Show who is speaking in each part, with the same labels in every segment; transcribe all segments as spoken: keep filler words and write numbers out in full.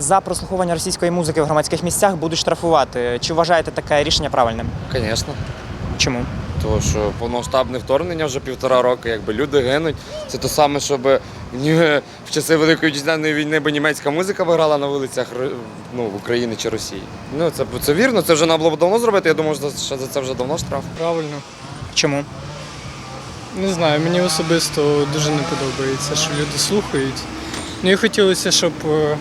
Speaker 1: За прослуховування російської музики в громадських місцях будуть штрафувати. Чи вважаєте таке рішення правильним?
Speaker 2: Звісно.
Speaker 1: Чому?
Speaker 2: Тому що повномасштабне вторгнення вже півтора року, якби люди гинуть. Це те саме, щоб ні- в часи Великої Вітчизняної війни би німецька музика виграла на вулицях ну, в Україні чи Росії. Ну, це, це вірно, це вже треба було б давно зробити, я думаю, що за це вже давно штраф.
Speaker 3: Правильно.
Speaker 1: Чому?
Speaker 3: Не знаю, мені особисто дуже не подобається, що люди слухають. Мені хотілося, щоб, е,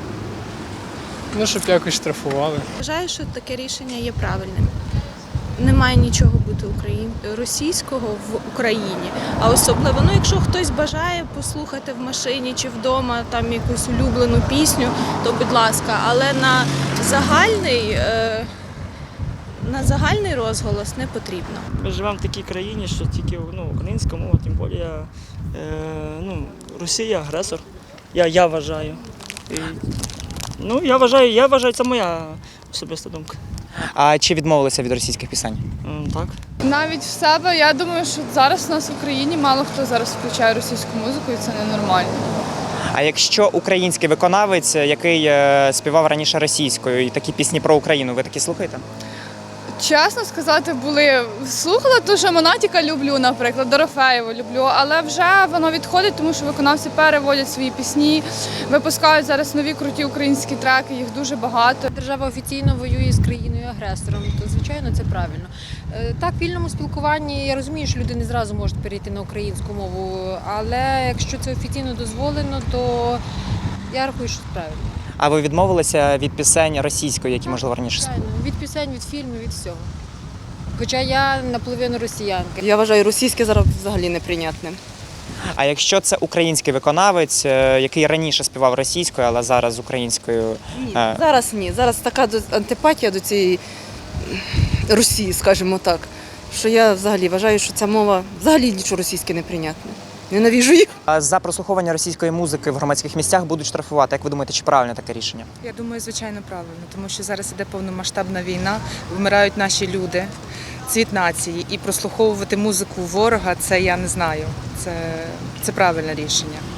Speaker 3: ну, щоб якось штрафували.
Speaker 4: Вважаю, що таке рішення є правильним. Немає нічого бути україн... російського в Україні. А особливо, ну, якщо хтось бажає послухати в машині чи вдома там якусь улюблену пісню, то будь ласка, але на загальний, е... на загальний розголос не потрібно.
Speaker 5: Ми живемо в такій країні, що тільки ну, українська мова, тим більше е, ну, Росія агресор. Я, я вважаю. І, ну, я вважаю, я вважаю, це моя особиста думка.
Speaker 1: А чи відмовилися від російських пісень?
Speaker 5: М, Так.
Speaker 6: Навіть в себе, я думаю, що зараз у нас в Україні мало хто зараз включає російську музику, і це ненормально.
Speaker 1: А якщо український виконавець, який е, співав раніше російською, і такі пісні про Україну, ви такі слухаєте?
Speaker 6: Чесно сказати, були слухала ту же Монатіка люблю, наприклад, Дорофеєву люблю, але вже воно відходить, тому що виконавці переводять свої пісні, випускають зараз нові круті українські треки, їх дуже багато.
Speaker 7: Держава офіційно воює з країною-агресором, то, звичайно, це правильно. Е, Так, в вільному спілкуванні я розумію, що люди не зразу можуть перейти на українську мову, але якщо це офіційно дозволено, то я рахую, що це правильно.
Speaker 1: А ви відмовилися від пісень російської, які, можливо, раніше співали?
Speaker 7: Звичайно, від пісень, від фільмів, від всього. Хоча я наполовину росіянка.
Speaker 8: Я вважаю, російське зараз взагалі неприйнятним.
Speaker 1: А якщо це український виконавець, е, який раніше співав російською, але зараз українською?
Speaker 8: Ні,
Speaker 1: е,
Speaker 8: зараз ні. Зараз така до- антипатія до цієї Росії, скажімо так, що я взагалі вважаю, що ця мова взагалі нічого російське неприйнятне. Ненавіжу їх.
Speaker 1: А за прослуховування російської музики в громадських місцях будуть штрафувати. Як ви думаєте, чи правильне таке рішення?
Speaker 9: Я думаю, звичайно, правильно, тому що зараз іде повномасштабна війна, вмирають наші люди, цвіт нації, і прослуховувати музику ворога, це я не знаю, це, це правильне рішення.